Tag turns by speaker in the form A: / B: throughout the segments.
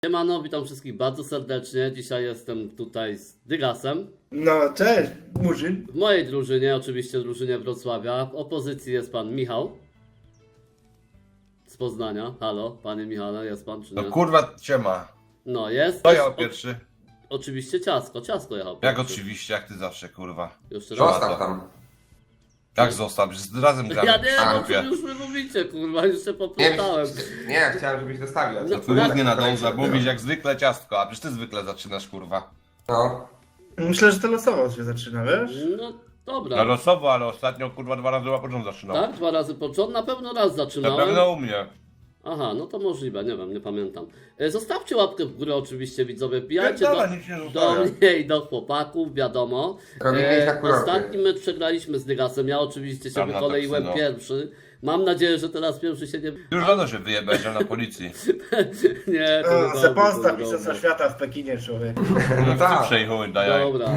A: Siemano, witam wszystkich bardzo serdecznie. Dzisiaj jestem tutaj z Dygasem.
B: No, cześć, Murzyn.
A: W mojej drużynie, oczywiście drużynie Wrocławia. W opozycji jest pan Michał z Poznania. Halo, panie Michale, jest pan czy nie?
C: No kurwa, ciema.
A: No, jest.
C: To ja pierwszy.
A: Oczywiście Ciasko jechał
C: Jak
A: pierwszy.
C: oczywiście, jak ty zawsze, kurwa.
A: Jeszcze raz.
C: Zostaw tam. Jak zostaw? Przecież razem gramy.
A: Ja nie,
C: A,
A: no
C: głupie.
A: co już wy mówicie, kurwa, jeszcze popłatałem.
D: Nie, chciałem, żebyś dostawił.
A: No,
C: Tu nic nie nadąża, bo mówisz jak zwykle ciastko, a przecież ty zwykle zaczynasz, kurwa.
D: No.
B: Myślę, że to losowo się zaczyna, wiesz?
A: No,
C: No
A: dobra.
C: losowo, ale ostatnio kurwa 2 razy łapocząt zaczynał.
A: Tak, 2 razy począł, na pewno raz
C: Na
A: zaczynałem.
C: pewno u mnie.
A: Aha, no to możliwe, nie wiem, nie pamiętam. Zostawcie łapkę w górę oczywiście, widzowie, wbijajcie
C: Pierdolę,
A: do,
C: nic nie
A: do
C: zostawiam.
A: mnie i do chłopaków, wiadomo.
D: Robimy tak kurorty.
A: Ostatni mecz przegraliśmy z Dygasem, ja oczywiście się
C: Tam na
A: wykoleiłem
C: toksyno.
A: pierwszy. Mam nadzieję, że teraz pierwszy się nie...
C: Już rano się wyjebałeś na policji.
A: Nie, to nie
B: Se
A: dobrze,
B: postaw
A: to nie
B: Mistrzostwa
A: dobrze.
B: Świata w Pekinie, człowiek.
C: No
D: tak.
C: przejchuj, daj.
A: Dobra.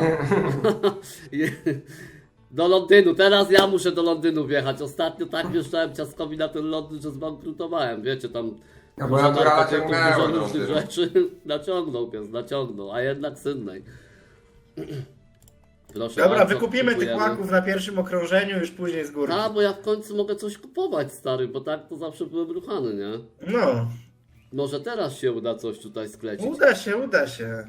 A: Do Londynu, teraz ja muszę do Londynu wjechać. Ostatnio tak wjeżdżałem Ciaskowi na ten Londyn, że zbankrutowałem. Wiecie, tam
D: No bo
A: dużo
D: naturala
A: narkotyków,
D: ciągnęło
A: dużo
D: do
A: różnych
D: Londynu.
A: rzeczy. Naciągnął, a jednak Sydney. Proszę
B: Dobra,
A: bardzo,
B: wykupimy tych
A: kupujemy.
B: łaków na pierwszym okrążeniu, już później z góry.
A: A, bo ja w końcu mogę coś kupować, stary, bo tak to zawsze byłem ruchany, nie?
B: No,
A: Może teraz się uda coś tutaj sklecić.
B: uda się.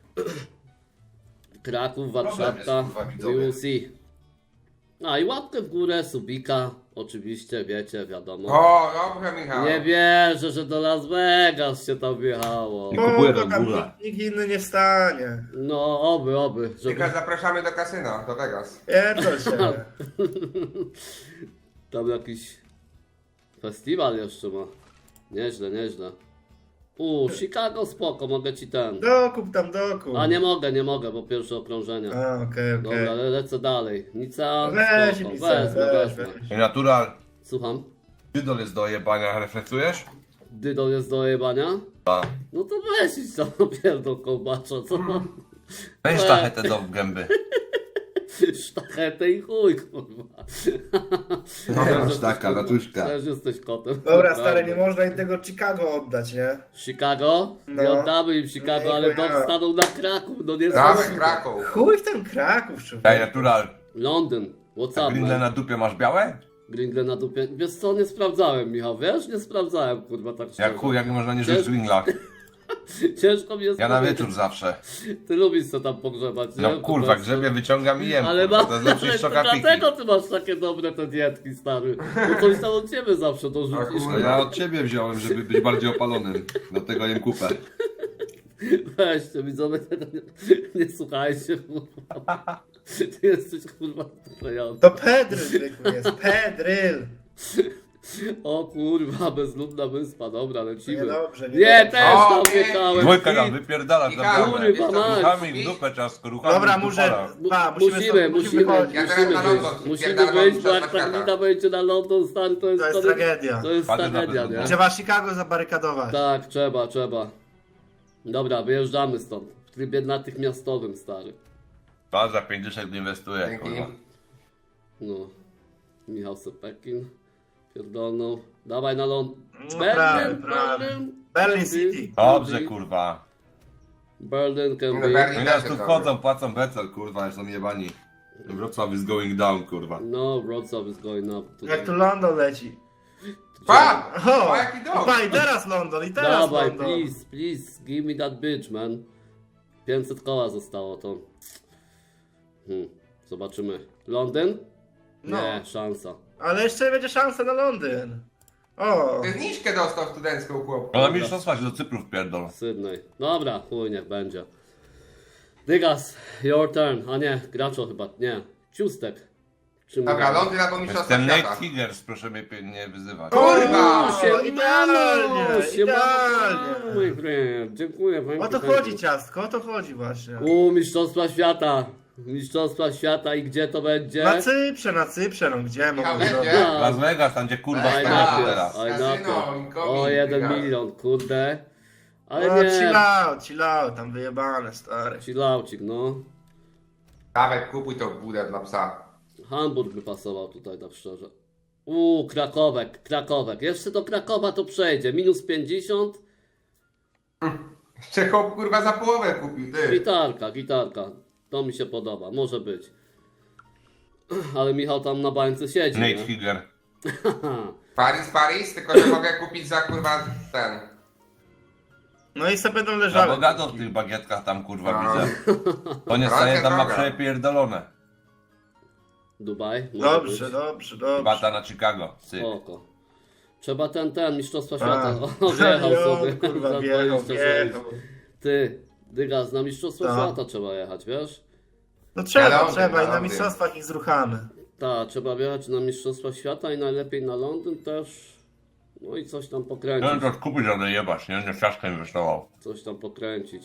A: Kraków,
C: Problem
A: Warszawka,
C: jest, kurwa, widzowie.
A: we will see. A i łapkę w górę, subika, oczywiście, wiecie, wiadomo.
D: O, dobrze, Michał.
A: Nie wierzę, że do Las Vegas się tam wjechało.
C: kupuję
B: Bo
C: do
B: tam
C: góra.
B: nikt inny nie wstanie.
A: No, oby, żeby
D: Tylko zapraszamy do kasyna, do Vegas.
B: Pierdol się.
A: tam jakiś festiwal jeszcze ma. Nieźle. Chicago spoko, mogę ci ten.
B: Dokup tam, dokup.
A: A nie mogę, bo pierwsze okrążenie.
B: A, okej.
A: Dobra, lecę dalej. Nica,
B: Weź
A: spoko,
B: mi
A: wezmę.
C: I natural.
A: Słucham.
C: Dydol jest do jebania, reflektujesz?
A: Dydo jest do jebania?
C: Tak.
A: No to weź idź tam pierdol kołbacza, co?
C: Weź tachetę do gęby.
A: Sztachetę i chuj, kurwa.
C: No, taka, ratuszka.
A: Też jesteś kotem.
B: Dobra, stary, nie można im tego Chicago oddać, nie?
A: Chicago? Nie
B: No.
A: oddamy im Chicago,
B: Nie,
A: ale
B: chuja.
A: dom stanął na Kraków, no nie
D: Damy
A: znam.
D: Kraków.
B: Chuj w ten Kraków, człowiek.
C: Daj natural.
A: Londyn, what's up,
C: Grindle
A: man?
C: na dupie masz białe?
A: Gringle na dupie. Wiesz co, nie sprawdzałem, Michał, wiesz? Nie sprawdzałem, kurwa, tak szczerze.
C: Jak chuj, jak można nie żyć w winglach.
A: Ciężko mi jest
C: Ja na
A: powiedzieć.
C: wieczór zawsze.
A: Ty lubisz co tam pogrzebać, nie?
C: No kurwa,
A: To
C: grzebie wyciągam i jem.
A: Ale,
C: kurwa.
A: ma,
C: To jest lepszy
A: ale
C: niż
A: to
C: szokapiki.
A: dlatego ty masz takie dobre te dietki, stary. Bo coś tam od ciebie zawsze dorzucisz.
C: No ja od ciebie wziąłem, żeby być bardziej opalonym. Dlatego jem kupę.
A: Weźcie, widzowie, tego nie słuchajcie, kurwa. Ty jesteś, kurwa, wklejony.
B: To Pedryl zwykły jest, Pedryl.
A: O kurwa, bezludna wyspa, dobra, lecimy.
B: Niedobrze,
A: Nie,
B: niedobrze.
A: też
D: O,
A: tam
D: nie.
A: wjechałem.
C: Dwójka tam wypierdala za
D: Michał,
C: bramę.
A: Kurwa, mać.
C: Ruchami w dupę ciastko, ruchami
B: Dobra,
C: w
B: muszę...
C: dupala.
B: Pa,
A: Musimy
B: wychodzić.
D: Ja teraz na London,
A: Musimy
D: spierdalam
A: wyjść, bo
D: Mistrzostwa
A: jak ta
D: Świata.
A: glina będzie na London, stary, to jest,
B: To jest tragedia.
A: To jest
C: Patrzę na
A: tragedia,
C: bezludną.
A: nie?
B: Trzeba Chicago zabarykadować.
A: Tak, trzeba. Dobra, wyjeżdżamy stąd. W trybie natychmiastowym, stary.
C: Pan za 50 inwestuje,
D: Dzięki.
C: kurwa.
A: No. Michał Sepekin. Pierdolną. Dawaj na Londyn.
B: No, prawie. Berlin City.
C: Dobrze, kurwa.
A: Berlin can
D: No,
A: be.
D: Berlin.
C: Oni nas tu wchodzą, płacą becel, kurwa, są jebani. Wrocław is going down, kurwa.
A: No, Wrocław is going up today.
B: Jak tu London leci.
D: Pa!
B: O,
D: O, jaki dom!
B: pa, i teraz London, i teraz
A: Dawaj,
B: London.
A: please, give me that bitch, man. 500 koła zostało to. Zobaczymy. Londyn?
B: No.
A: Nie, szansa.
B: Ale jeszcze będzie szansa na Londyn. O,
D: Ty zniżkę dostał studencką chłop.
C: No na mistrzostwa się do Cyprów pierdol.
A: Sydney. Dobra, chuj, niech będzie. Dygas, your turn. A nie, Graczo chyba, nie. Ciustek. Czy
D: Dobra,
A: mówię?
D: Londyn albo Mistrzostwa
C: Jestem Nate
D: Świata.
C: Higgers, proszę mnie nie wyzywać.
D: Kurwa!
B: O,
A: Siemano,
B: idealnie,
A: siemano, mój friend. Dziękuję,
B: o to chodzi ciastko, o to chodzi właśnie.
A: Mistrzostwa Świata. Mistrzostwa Świata i gdzie to będzie?
B: Na Cyprze, no gdzie
D: Michał,
B: mogę
D: będzie?
B: zrobić?
C: Las Vegas, tam gdzie kurwa
D: Aj,
C: staniecie
D: na.
C: teraz.
A: Oj,
D: Kasyno,
A: na
D: incoming,
A: o 1
D: Dygas.
A: milion, kurde. Ale
B: No,
A: nie,
B: chill out, tam wyjebane, stary.
A: chillaucik, no.
D: Dawaj, kupuj to budę dla psa.
A: Hamburg by pasował tutaj, tak szczerze. Krakowek. Jeszcze do Krakowa to przejdzie. -50.
D: Jeszcze chłop kurwa za połowę kupił, ty.
A: Gitarka. To mi się podoba, może być. Ale Michał tam na bańce siedzi,
C: Nate
A: nie?
C: Figure.
D: Paris, tylko że mogę kupić za kurwa ten.
B: No i sobie będą
C: Za
B: leżały.
C: bogato w tych bagietkach tam kurwa
D: No.
C: widzę. To nie
D: Droga,
C: stanie tam ma
D: droga.
C: przepierdolone.
A: Dubaj, może
B: Dobrze,
A: być.
B: dobrze.
C: Bata na Chicago. Syk.
A: Oko. Trzeba ten, Mistrzostwa
B: A.
A: Świata. O, wjechał
B: Jo,
A: sobie.
B: kurwa,
A: za
B: wjechał.
A: 26. Ty, Dygas, na Mistrzostwa
B: No.
A: Świata trzeba jechać, wiesz?
B: No trzeba
D: Londyn,
B: i na
D: Londyn.
B: mistrzostwach ich zruchamy.
A: Tak, trzeba wjechać na Mistrzostwa Świata i najlepiej na Londyn też. No i coś tam
C: No
A: pokręcić.
C: to kupić, ale jebać, nie? Nie ciaszkę inwestował.
A: Coś tam pokręcić.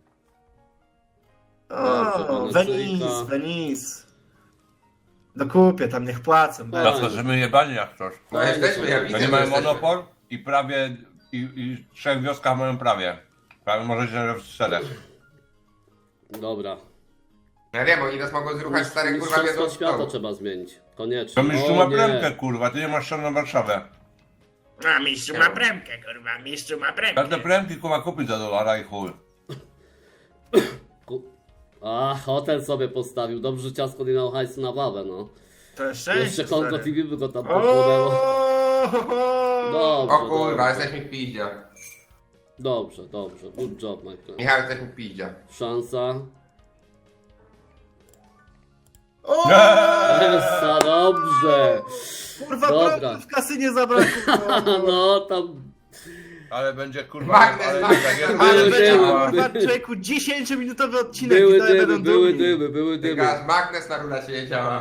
B: O,
A: Dobrze,
B: Venice, Venice. Dokupię, tam niech płacą.
A: Tak.
C: Zawsze, że my jebani jak coś.
D: No jesteśmy, ja
C: To
D: widzę,
C: nie
D: że
C: mają
D: jesteśmy.
C: monopol i prawie, i w 3 wioskach mają prawie. Prawie możecie w 4.
A: Dobra.
D: Ja wiem, oni nas mogą zruchać stare kurwa wiedzą
A: Mistrzostwa
D: w
A: Świata
D: to.
A: trzeba zmienić. Koniecznie.
C: To mistrzu
A: O,
C: ma
A: nie.
C: premkę kurwa, ty nie masz szan na Warszawę.
B: A mistrzu ma premkę, kurwa, mistrzu ma premkę.
C: Każde premki kurwa kupić za dolara i chuj.
A: A, hotel sobie postawił. Dobrze, że ciasko nie miał hajsu na wawę, no.
B: To jest szczęście,
A: Jeszcze Kongo
B: stary.
A: TV by go tam podpłynęło. Dobrze,
D: O kurwa,
A: dobrze.
D: jesteśmy w piździe.
A: Dobrze. Good job, my friend.
D: Michał, jesteśmy w piździe.
A: Szansa.
B: O,
A: Essa, dobrze.
B: kurwa,
A: Dobra.
B: prądu w kasynie zabrakło.
A: No, tam
C: Ale będzie kurwa...
D: Magnes,
C: ale
D: magnes,
C: tak jak-
B: Ale
A: Były
B: będzie,
A: dymy.
B: kurwa, człowieku, 10-minutowy odcinek.
A: były
B: i dalej będą
A: dymy,
B: dumni.
A: były dymy.
D: Gaz, magnes na rulecie nie działa.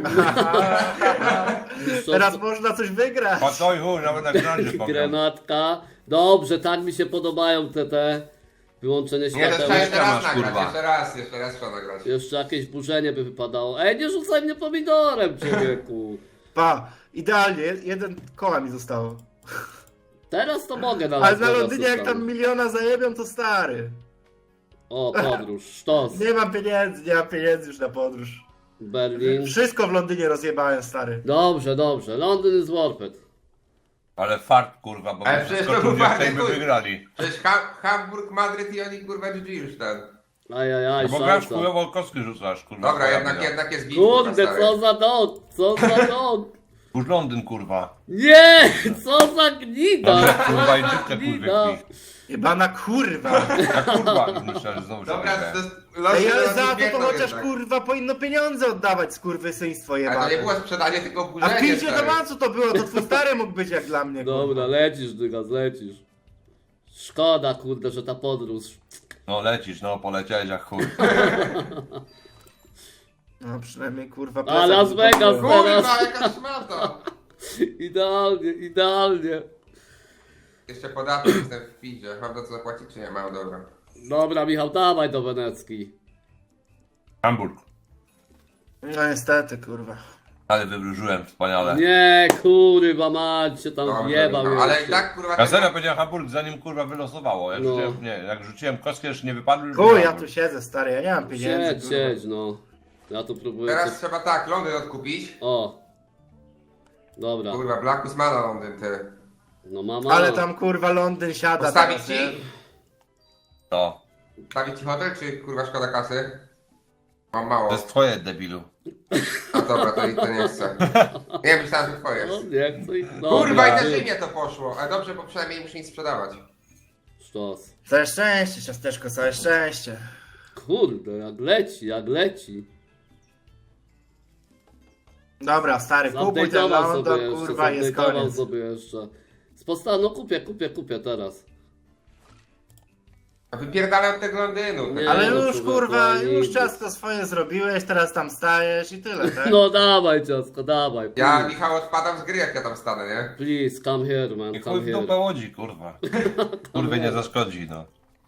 B: Teraz można coś wygrać.
C: A to i chuj, nawet na grandzie powiem.
A: Grenatka. Dobrze, tak mi się podobają te wyłączenie
D: Nie, to
A: świateł.
D: trzeba jeszcze raz
C: masz,
D: nagrać,
C: kurwa.
D: jeszcze raz trzeba nagrać.
A: Jeszcze jakieś burzenie by wypadało. Ej, nie rzucaj mnie pomidorem, człowieku.
B: Pa, idealnie, jeden koła mi zostało.
A: Teraz to mogę na
B: Ale
A: Las
B: na
A: Vegas
B: Londynie jak tam
A: zostawić.
B: miliona zajebią, to stary.
A: O, podróż, sztos.
B: Nie mam pieniędzy już na podróż.
A: Berlin.
B: Wszystko w Londynie rozjebałem, stary.
A: Dobrze. Londyn is worth it.
C: Ale fart kurwa, bo
D: Ale
C: my
D: przecież
C: wszystko
D: to był
C: tu by
D: fajny chuj.
C: wygrali.
D: Przecież Hamburg, Madryt i oni kurwa GG już ten.
A: Ajajaj,
C: No bo grasz
A: szansa.
C: chujowo kostki rzucasz kurwa.
D: Dobra,
C: twoja wina.
D: jednak jest git.
A: Kurde,
D: kurwa,
A: co
D: stary.
A: za dog, co za dog.
C: Już Londyn kurwa.
A: Nie, co za gnida.
C: Dobra,
A: Co
C: kurwa,
A: za
C: i dziwkę,
A: gnida.
C: kurwa,
B: Jebana kurwa.
C: Jak kurwa, myślę, że znowu się
D: Dobra,
C: wygrałem.
D: to jest... losy
B: Ej, ale
D: nas
B: za to
D: biegną
B: chociaż
D: jednak.
B: kurwa powinno pieniądze oddawać, skurwysyństwo
D: Ale to
B: jebane.
D: nie było sprzedanie, tylko
B: A w
D: oburzenie,
B: Pilsie do
D: stary.
B: Mancu to było, to twój stary mógł być jak dla mnie.
A: Dobra,
B: kurwa.
A: lecisz, Dygas, lecisz. Szkoda, kurde, że ta podróż.
C: No lecisz, no poleciałeś jak chuj.
B: No przynajmniej kurwa.
A: A Las Vegas
D: Kurwa,
A: teraz.
D: jaka szmata!
A: Idealnie.
D: Jeszcze podatek jestem w piździe. Mam za co zapłacić, czy nie? Mam, dobra.
A: Dobra, Michał, dawaj do Wenecki.
C: Hamburg.
B: No niestety, kurwa.
C: Ale wywróżyłem, wspaniale.
A: Nie, kurwa mać, się tam
D: Dobrze,
A: wjebał
D: Michał, ale i
A: jeszcze.
D: tak kurwa...
C: Ja serio powiedziałem Hamburg, zanim kurwa wylosowało. Jak,
A: No.
C: rzuciłem, nie, jak rzuciłem kostkę, jeszcze nie wypadły. już
B: Chuj, ja
C: wygrałem.
B: tu siedzę, stary, ja nie mam pieniędzy.
A: Siedź,
B: kurwa.
A: siedź, no. Ja tu próbuję
D: Teraz
A: coś...
D: trzeba tak, Londyn odkupić.
A: O. Dobra.
D: Kurwa, Blackus ma na Londyn, ty.
A: No mama.
B: Ale tam kurwa Londyn siada.
D: Postawić
B: teraz,
D: ci?
B: nie?
C: To.
D: Stawić ci hotel, czy kurwa szkoda kasy? Mam mało.
C: To jest twoje, debilu.
D: A dobra, to nie chcę. Nie, myślałem, że twoje.
A: No, nie chcę ich...
D: Kurwa, i
A: Dobra,
D: też imię to poszło. Ale dobrze, bo przynajmniej nie muszę nic sprzedawać.
A: Sztos.
B: Całe szczęście, ciasteczko, całe szczęście.
A: Kurde, jak leci.
B: Dobra, stary, kupuj ten
A: Zupdate'ował
B: London,
A: sobie jeszcze,
B: kurwa, jest
A: zupdate'ował
B: koniec.
A: sobie jeszcze. No kupię teraz.
D: A wypierdalaj od tego Londynu.
A: Nie.
B: Ale
A: no,
B: już
A: człowieku,
B: kurwa,
A: ale
B: już
A: nigdy.
B: ciasto swoje zrobiłeś, teraz tam stajesz i tyle, tak?
A: No dawaj ciasko, dawaj.
D: Ja,
A: please.
D: Michał, odpadam z gry, jak ja tam stanę, nie?
A: Please, come here, man,
C: I chuj
A: come
C: w
A: here.
C: dupę łodzi, kurwa. Kurwie nie zaszkodzi, no.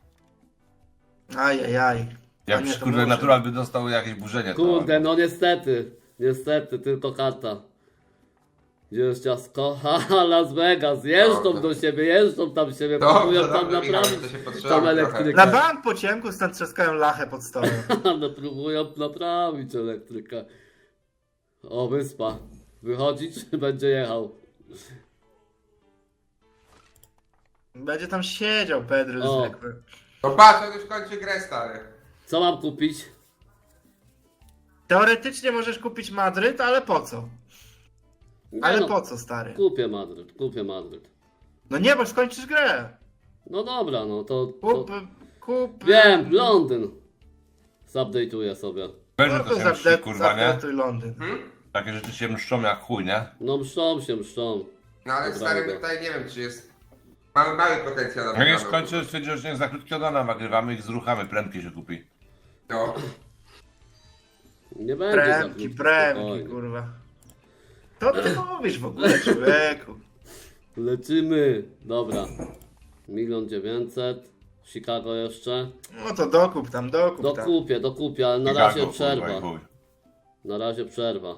B: Ajajaj.
C: Jak
B: A nie, to
C: kurwa
B: może.
C: natural by dostał jakieś burzenie, to...
A: Kurde, no niestety, tylko karta. Gdzie jest ciasko? Haha, Las Vegas, jeżdżą
D: Dobrze.
A: do siebie, jeżdżą tam siebie,
D: Dobrze,
A: próbują tam
D: dobrze, Michał,
A: naprawić
D: to się
A: tam
D: potrzeba trochę.
A: elektrykę.
B: Na bank po ciemku stąd trzaskają lachę pod stołem.
A: No próbują naprawić elektrykę. O, wyspa. Wychodzić, czy będzie jechał?
B: Będzie tam siedział Pedro
A: O.
B: zwykły.
D: No patrz, on już kończy grę, stary.
A: Co mam kupić?
B: Teoretycznie możesz kupić Madryt, ale po co?
A: Nie
B: Ale
A: no,
B: po co, stary?
A: Kupię Madryt.
B: No nie, bo skończysz grę.
A: No dobra, no to...
B: Kup...
A: Wiem, Londyn. Zupdate'uję sobie.
C: Wiesz, że
B: No
C: to
B: to
C: się mści, kurwa, nie?
B: zapletuj Londyn.
C: Takie rzeczy się mszczą jak chuj, nie?
A: No mszczą.
D: No ale
A: Dobra,
D: stary,
A: dobra.
D: tutaj nie wiem, czy jest... Mamy mały potencjał na
C: Jak jest
D: wygraną.
C: skończy, stwierdził, że nie za krótkiego dana nagrywamy i zruchamy, prędki się kupi.
D: No.
A: Nie będzie za
B: Premki,
A: krótko,
B: premki,
A: spokojnie.
B: kurwa. To ty mówisz w ogóle, człowieku.
A: Lecimy. Dobra. 1 900 000. Chicago jeszcze.
B: No to dokup tam.
A: Dokupię, ale na
C: Chicago,
A: razie
C: kurwa,
A: przerwa.
C: i chuj.
A: Na razie przerwa.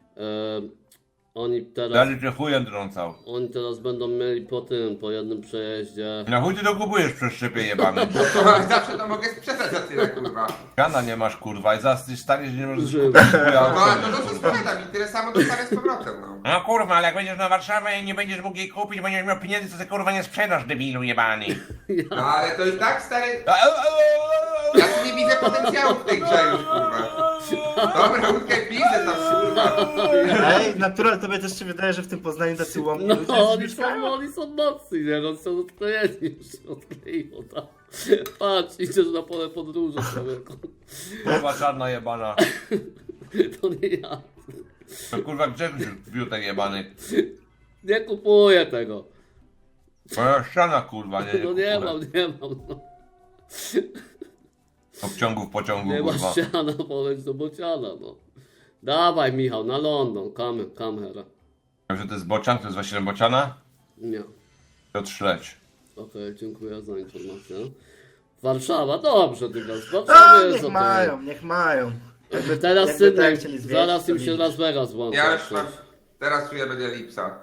A: Oni teraz...
C: Dalej cię chujem trącał.
A: Oni teraz będą mieli po jednym przejeździe.
C: Na chuj ty dokupujesz przez szczepie jebany.
D: Zawsze to mogę sprzedać za tyle, kurwa.
C: Gana nie masz, kurwa, i zaraz ty staniesz, że nie możesz
A: Żył.
C: kupić chuja
D: No ale
C: auto,
D: to
C: kurwa.
D: sprzedam i tyle samo dostanę z powrotem, no.
C: No kurwa, ale jak będziesz na Warszawę i nie będziesz mógł jej kupić, będziesz miał pieniędzy, to ty kurwa nie sprzedasz, debilu jebany.
D: No ale to i tak, stary, ja tu nie widzę potencjału w tej grze już, kurwa. Dobra, łódkę widzę tam, kurwa.
B: Ej, natural, tobie też się wydaje, że w tym Poznaniu tacy łomni
A: No,
B: ludzie mieszkają?
A: oni są mocni, nie? No, są odklejeni, już się odkleiło tam. Patrz, idziesz na pole podróży, człowieku.
C: Kurwa czarna jebana.
A: To nie ja.
C: To kurwa Grzegorz biutek jebany.
A: Nie kupuję tego.
C: Moja ściana kurwa, nie
A: No nie
C: kupuję.
A: mam, no.
C: Obciągu w pociągu,
A: Nie ma
C: kurwa.
A: ściana, poleć do bociana, no. Dawaj, Michał, na London, come here.
C: Wiem, że to jest bocian, to jest właśnie bociana?
A: Nie.
C: Piotr Śledź.
A: Okej, dziękuję za informację. Warszawa, dobrze, ty grasz. W
B: A,
A: Warszawie jest
B: niech
A: okej.
B: niech mają.
A: Jakby teraz
B: Jakby
A: Sydney,
B: tak chcieli zwiedzić,
A: zaraz
B: to
A: im się
B: widzisz.
A: Las Vegas włącza.
D: Ja już mam, teraz czuję, będzie lipsa.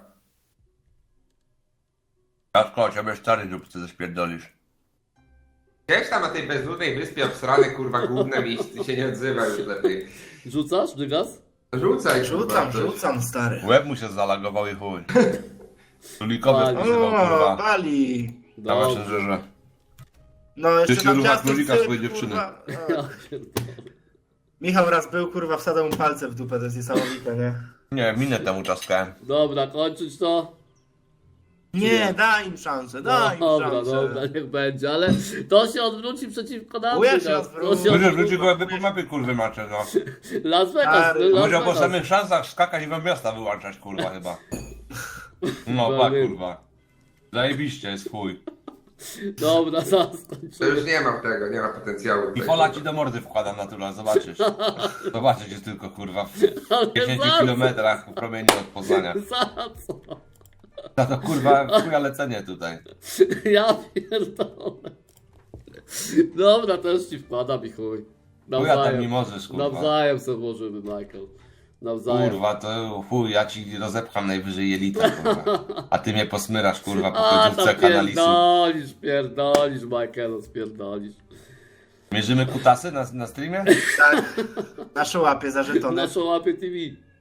C: Jacko, ciebie stary dupcy ześpierdolisz.
D: Gdzieś tam na tej bezludnej wyspie obsrane, kurwa, główne miejsce się nie odzywa już lepiej.
A: Rzucasz, dygas?
D: Rzucaj, kurwa.
B: Rzucam, stary.
C: Łeb mu się zalagował i chuj. Królikowy
A: Bali.
C: spożywał,
B: O,
C: kurwa.
B: Bali.
C: Na
A: Dobrze.
C: Messengerze.
B: No, jeszcze
C: Ty
B: tam
C: rucha
B: ciastek
C: królika
B: syp,
C: swojej dziewczyny.
B: kurwa.
A: Ja
B: O.
A: pierdolę.
B: Michał raz był, kurwa, wsadzał mu palce w dupę, to jest niesamowite, nie?
C: Nie, minę temu czaskałem.
A: Dobra, kończyć to?
B: Nie, daj im szansę, daj im
A: Dobra,
B: szansę.
A: dobra, niech będzie, ale to się odwróci przeciwko nam.
B: Chuja się
A: dygas.
B: odwróci.
A: To
C: Ludzie
A: odwróci.
C: wróci go jakby po mapie kurwy macie, no.
A: Las Vegas,
B: Stary,
A: Las
C: Może po
A: Vegas.
C: samych szansach skakać i wam miasta wyłączać, kurwa, chyba. No,
A: Dobra,
C: tak,
A: nie.
C: kurwa. Zajebiście jest chuj.
A: Dobra, zaraz
D: To
A: skończymy.
D: już nie mam tego, nie ma potencjału.
C: I pola ci do mordy wkładam natural, zobaczysz. Zobaczysz jest tylko, kurwa, w
A: Ale
C: 10
A: za
C: kilometrach w promieniu od Poznania.
A: Za co?
C: Za to, kurwa, chuja lecenie tutaj.
A: Ja pierdolę. Dobra, też ci wkładam i chuj.
C: Chuja tam nie możesz, kurwa.
A: Nawzajem sobie włożymy, Michael. Nawzajem.
C: Kurwa, to chuj, ja ci rozepcham najwyżej jelita, kurwa. A ty mnie posmyrasz, kurwa, po
A: A,
C: końcówce
A: tam
C: kanalisu.
A: pierdolisz, Michael, spierdolisz.
C: Mierzymy kutasy na streamie?
B: Tak, nasze łapie za żetony.
A: Naszą łapie TV.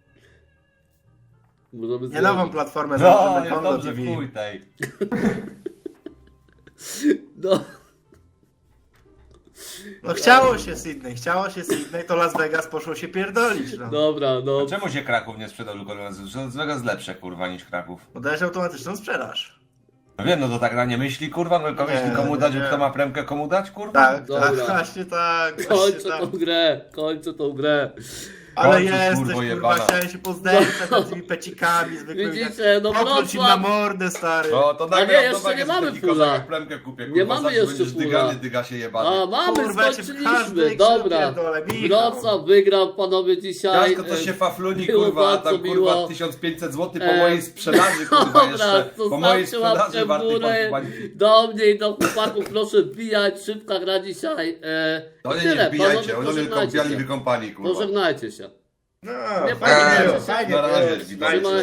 A: Możemy
B: Nie nową platformę,
C: No,
B: założymy
C: jest
B: Kondo
C: dobrze,
B: TV.
C: chuj tej.
A: No,
B: No chciało się Sydney, to Las Vegas poszło się pierdolić, no.
A: dobra, no.
C: Czemu się Kraków nie sprzedał tylko Las Vegas lepsze, kurwa, niż Kraków?
B: Bo dajesz automatyczną sprzedaż.
C: No wiem, no to tak na nie myśli, kurwa, no kogoś
B: Nie,
C: komu dać,
B: nie.
C: kto ma premkę, komu dać, kurwa?
B: Tak,
A: Dobra.
B: tak, właśnie tak, właśnie
A: Kończę
B: tak.
A: tą grę, kończę tą grę.
B: Ale
C: Kończysz,
B: jesteś,
C: kurwo
B: kurwa,
C: jebana.
B: chciałem się poznęcać nad tymi pecikami zwykłymi.
A: Widzicie, no
B: Popluć im na
A: Wrocław.
B: mordę, stary.
C: No to
A: A nie,
C: nagram,
A: jeszcze
C: to
A: nie
C: tak
A: mamy
C: jest taki
A: fulla.
C: kozak, jak plemkę kupię, kurwa,
A: Nie mamy
C: zawsze
A: jeszcze
C: będziesz
A: fulla.
C: dyga się jebany.
A: A, mamy,
B: Kurwa, ja cię w
A: skończyliśmy,
B: każdej grze
A: dobra.
B: pierdolę, Michał.
A: Wrocław wygrał, panowie, dzisiaj.
C: Jasko to się fafluni,
A: było
C: kurwa, a
A: bardzo
C: tam
A: miło.
C: kurwa 1500 zł po
A: E,
C: mojej sprzedaży, kurwa,
A: Dobra,
C: jeszcze. Po mojej
A: zostawcie łapkę
C: sprzedaży
A: w
C: wartej
A: górę.
C: bańki.
A: Do mnie i do chłopaków proszę wbijać, szybka gra dzisiaj.
C: To
A: I
C: nie
A: tyle,
C: wbijajcie,
A: panowie,
C: oni mnie
A: pożegnajcie
C: kąpiali,
A: się.
C: wykąpali, kurwa.
A: Pożegnajcie się.
B: No,
A: Nie
B: fajnie
A: pamiętam.
B: było, fajnie
C: Na razie,
B: było.
C: witajcie.
A: Trzymajcie